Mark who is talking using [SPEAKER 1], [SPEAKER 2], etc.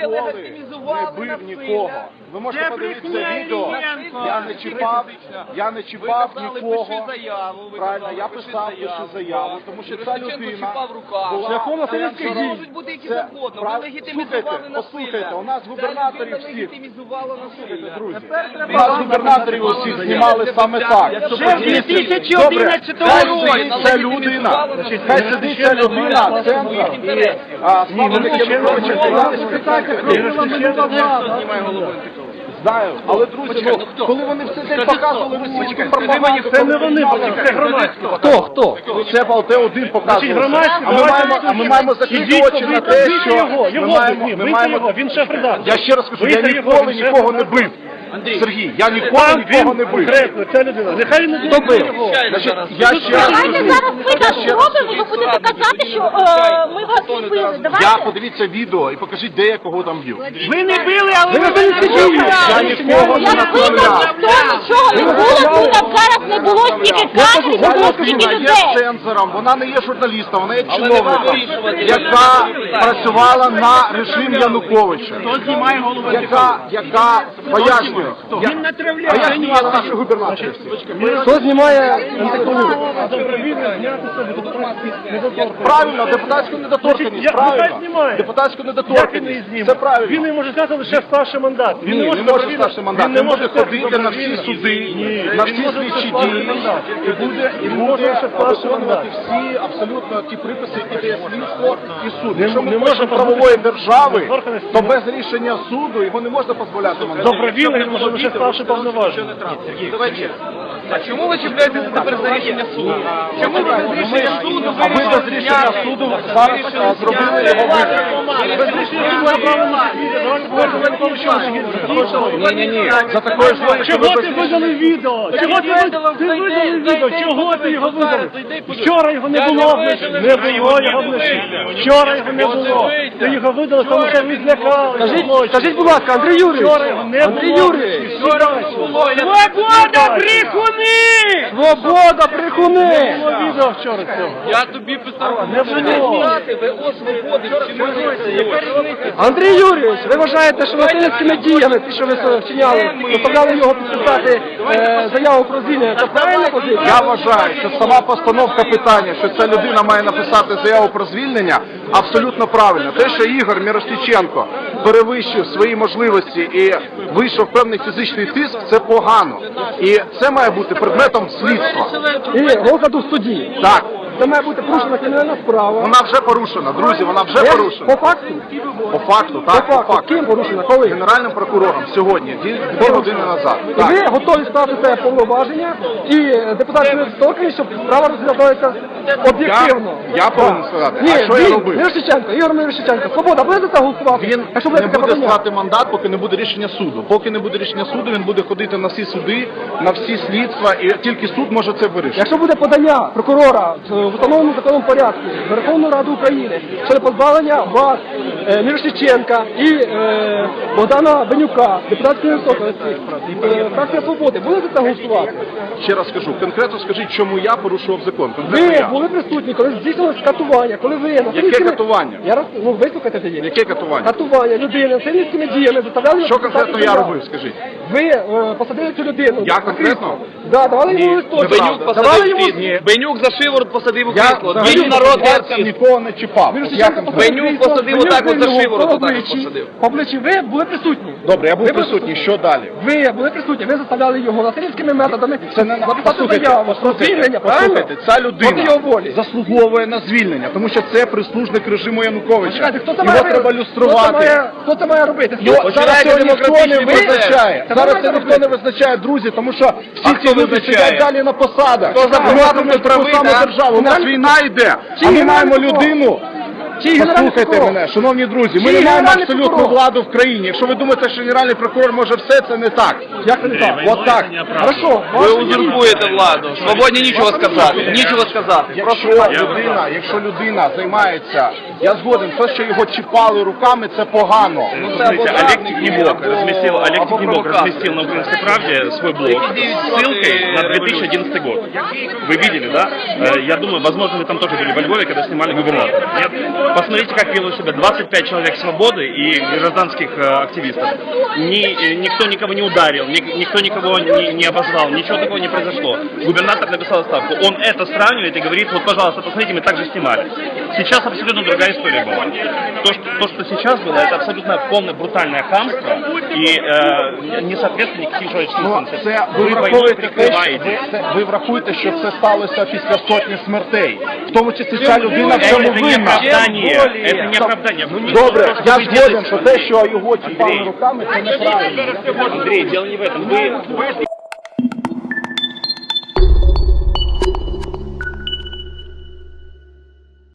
[SPEAKER 1] не бив нікого. Ви можете подивитися відео, я не чіпав нікого. Правильно, я писав заяву, тому що ця людина шляхом насильницьких дій. Послухайте, у нас губернаторів всіх, друзі, у нас губернаторів усіх знімали саме так. Добре, ця людина, хай сидить ця людина, центр, знаю, але друзі, коли вони все день показували російську пропаганду,
[SPEAKER 2] це не вони, це громадсько.
[SPEAKER 1] Хто? Це БАЛТ-1 показував. А ми маємо закрити очі на те, що ми маємо...
[SPEAKER 2] Він шеф-редактор.
[SPEAKER 1] Я ще раз кажу, я ніколи нікого не бив. Сергій, я ніколи нікого не бив.
[SPEAKER 2] Ця людина. Нехай не
[SPEAKER 1] хто бив? Я ще раз
[SPEAKER 3] давайте зараз ми так зробимо, ви будете казати, що ми вас не били.
[SPEAKER 1] Я подивіться відео і покажіть, де я кого там б'ю.
[SPEAKER 2] Ви не били, але ви
[SPEAKER 1] Я нікого не направляв.
[SPEAKER 3] Ніхто нічого не було, тут зараз не було стільки кадрів, не було стільки
[SPEAKER 1] Вона є
[SPEAKER 3] людей.
[SPEAKER 1] цензором, вона не є журналістом, вона є чиновником, яка працювала на режим Януковича, яка пояснює. А я знімаю наших губернаторів.
[SPEAKER 2] Хто знімає
[SPEAKER 1] Правильно, депутатську недоторканність, правильно. Депутатську недоторканність, це правильно.
[SPEAKER 2] Він не може зняти лише старший мандат.
[SPEAKER 1] Він не може старший мандат, він може ходити на всі суди, на всі слідчі дії, і буде виконувати всі абсолютно ті приписи, які дає слідство і суд. Якщо ми хочемо правової держави, то без рішення суду його не можна дозволяти мандат.
[SPEAKER 2] Добровільно він може лише старший повноважений.
[SPEAKER 4] А чому ви чіпляєтеся тепер за рішення суду? Чому ви без рішення суду
[SPEAKER 1] А ви без рішення суду зараз зробили його вибір.
[SPEAKER 2] Без рішення
[SPEAKER 1] Ні. За такою ж логікою
[SPEAKER 2] Чого ти видали відео? Чого ти видали відео? Чого ти його видали? Вчора його не було вночі. Не було його вночі. Вчора його не було. Ти його видали, тому що ви злякали.
[SPEAKER 5] Скажіть, будь ласка, Андрій Юрійович!
[SPEAKER 2] Вчора його не було.
[SPEAKER 5] Андрій Юрійович!
[SPEAKER 4] Свобода, брехуни!
[SPEAKER 5] Свобода, брехуни!
[SPEAKER 2] Не було відео вчора цього.
[SPEAKER 4] Я тобі писав.
[SPEAKER 2] Не було.
[SPEAKER 4] ВО свободи вчинилися.
[SPEAKER 5] Андрій Юрійович, ви вважаєте, що насильницькими діями, ті, що ви вчиняли, заставляли його підписати заяву про звільнення, це правильна позиція?
[SPEAKER 1] Я вважаю, що сама постановка питання, що ця людина має написати заяву про звільнення, абсолютно правильно. Те, що Ігор Мірошниченко перевищив свої можливості і вийшов певний фізичний тиск, це погано. І це має бути предметом слідства.
[SPEAKER 5] І розгляду в суді.
[SPEAKER 1] Так.
[SPEAKER 5] Це має бути порушена кримінальна справа.
[SPEAKER 1] Вона вже порушена, друзі, вона вже порушена.
[SPEAKER 5] По факту?
[SPEAKER 1] По факту, так,
[SPEAKER 5] По факту. Ким порушена? Коли?
[SPEAKER 1] Генеральним прокурором сьогодні, 2 години назад.
[SPEAKER 5] І ви готові ставити це повноваження і депутатські недоторканність, щоб справа розглядається об'єктивно.
[SPEAKER 1] Я повинен сказати,
[SPEAKER 5] Ні,
[SPEAKER 1] а що я робив?
[SPEAKER 5] Мірошниченко, Ігор Мірошниченко, Свобода, буде за це голосувати?
[SPEAKER 1] Він
[SPEAKER 5] Якщо
[SPEAKER 1] не
[SPEAKER 5] таке
[SPEAKER 1] буде
[SPEAKER 5] подання?
[SPEAKER 1] стати мандат, поки не буде рішення суду. Поки не буде рішення суду, він буде ходити на всі суди, на всі слідства, і тільки суд може це вирішити.
[SPEAKER 5] Якщо буде подання прокурора в установленому законом порядку в Верховну Раду України щодо позбавлення вас, Мірошниченка і Богдана Бенюка, депутатської недоторканності, фракція Свободи, буде за це голосувати?
[SPEAKER 1] Ще раз скажу, конкретно скажіть, чому я порушував закон.
[SPEAKER 5] Ви були присутні, коли здійснилось катування, коли ви...
[SPEAKER 1] Яке катування?
[SPEAKER 5] Вислухайте тоді.
[SPEAKER 1] Яке катування?
[SPEAKER 5] Катування людини насильницькими діями заставляли...
[SPEAKER 1] Що конкретно я робив, скажіть?
[SPEAKER 5] Ви посадили цю людину.
[SPEAKER 1] Я конкретно?
[SPEAKER 5] Да, давали йому листочок.
[SPEAKER 4] Бенюк
[SPEAKER 5] Давали йому...
[SPEAKER 4] Бенюк за шиворот посадив у
[SPEAKER 1] Я
[SPEAKER 4] крісло.
[SPEAKER 1] взагалі
[SPEAKER 4] Він народ
[SPEAKER 1] пальцем нікого не чіпав.
[SPEAKER 4] Бенюк посадив отак от за шиворот, отак от посадив.
[SPEAKER 5] По обличчі ви були присутні.
[SPEAKER 1] Добре, я був присутній, що далі?
[SPEAKER 5] Ви були присутні, ви заставляли його насильницькими методами
[SPEAKER 1] Це не
[SPEAKER 5] написати заяву про звільнення, правильно?
[SPEAKER 1] Послухайте, ця
[SPEAKER 5] Проти
[SPEAKER 1] людина
[SPEAKER 5] його волі.
[SPEAKER 1] заслуговує на звільнення, тому що це прислужник режиму Януковича.
[SPEAKER 5] Чекайте, хто це
[SPEAKER 1] Його
[SPEAKER 5] має
[SPEAKER 1] треба люструвати.
[SPEAKER 5] Хто це має робити?
[SPEAKER 1] Зараз це ніхто не
[SPEAKER 4] демократичний
[SPEAKER 1] визначає.
[SPEAKER 5] Це
[SPEAKER 1] Зараз
[SPEAKER 5] ви
[SPEAKER 1] це ніхто не визначає, друзі, тому що всі ці люди сидять далі на посадах. Вигадують таку саму державу. У нас війна йде, а ми маємо людину. Послухайте мене, шановні друзі, ми не маємо абсолютну владу в країні. Якщо ви думаєте, що генеральний прокурор може все, це не так.
[SPEAKER 5] Як це не так?
[SPEAKER 1] От так.
[SPEAKER 5] Хорошо.
[SPEAKER 4] Ви узурпуєте владу. Свободні нічого сказати. Нічого сказати.
[SPEAKER 1] Якщо людина займається, я згоден, те, що його чіпали руками, це погано.
[SPEAKER 6] Смотрите, Олег Тихнебок разместил на «Украинской правде» свой блог с ссылкой на 2011 год. Вы видели, да? Я думаю, возможно, вы там тоже были во Львове, когда снимали губернатора. Нет? Посмотрите, как ведут себя 25 человек свободы и гражданских активистов. Никто никого не ударил, никто никого не обозвал, ничего такого не произошло. Губернатор написал отставку. Он это сравнивает и говорит, вот, пожалуйста, посмотрите, мы так же снимали. Сейчас абсолютно другая история была. То, что сейчас было, это абсолютно полное брутальное хамство и не соответствует никаким человеческим функциям.
[SPEAKER 1] Це
[SPEAKER 6] Вы войной прикрываете.
[SPEAKER 1] ви врахуєте, що це сталося після сотні смертей. В тому числі ця людина в цьому
[SPEAKER 6] Это не
[SPEAKER 1] винна.
[SPEAKER 6] оправдание. Это не оправдание.
[SPEAKER 1] Добре, я згоден, що те, що його чіпали руками, це неправильно.
[SPEAKER 6] Андрей, дело не в этом. Вы